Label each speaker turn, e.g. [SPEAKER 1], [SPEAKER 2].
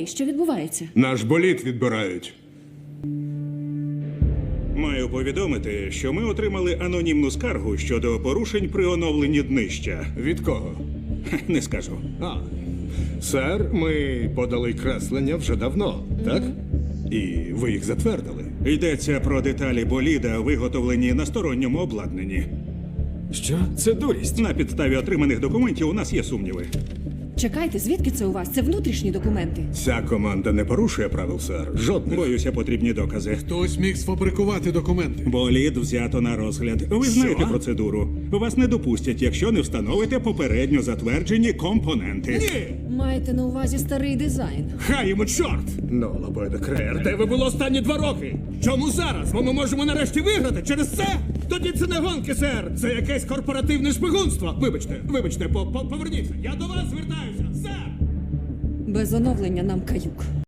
[SPEAKER 1] Що відбувається?
[SPEAKER 2] Наш болід відбирають.
[SPEAKER 3] Маю повідомити, що ми отримали анонімну скаргу щодо порушень при оновленні днища.
[SPEAKER 2] Від кого?
[SPEAKER 3] Не скажу.
[SPEAKER 2] Сер, ми подали креслення вже давно, так? І ви їх затвердили.
[SPEAKER 3] Йдеться про деталі боліда, виготовлені на сторонньому обладнанні.
[SPEAKER 4] Що? Це дурість.
[SPEAKER 3] На підставі отриманих документів у нас є сумніви.
[SPEAKER 1] Чекайте, звідки це у вас? Це внутрішні документи.
[SPEAKER 2] Ця команда не порушує правил, сер. Жодних.
[SPEAKER 3] Боюся, потрібні докази.
[SPEAKER 5] Хтось міг сфабрикувати документи.
[SPEAKER 3] Болід взято на розгляд. Ви знаєте процедуру. Вас не допустять, якщо не встановите попередньо затверджені компоненти.
[SPEAKER 2] Ні!
[SPEAKER 1] Маєте на увазі старий дизайн.
[SPEAKER 2] Хай йому чорт! Ну, Лобойда Креєр, де ви було останні 2 роки? Чому зараз? Бо ми можемо нарешті виграти через це? Тоді це не гонки, сер! Це якесь корпоративне шпигунство! Вибачте, поверніться! Я до вас звертаюся! Сер!
[SPEAKER 1] Без оновлення нам каюк.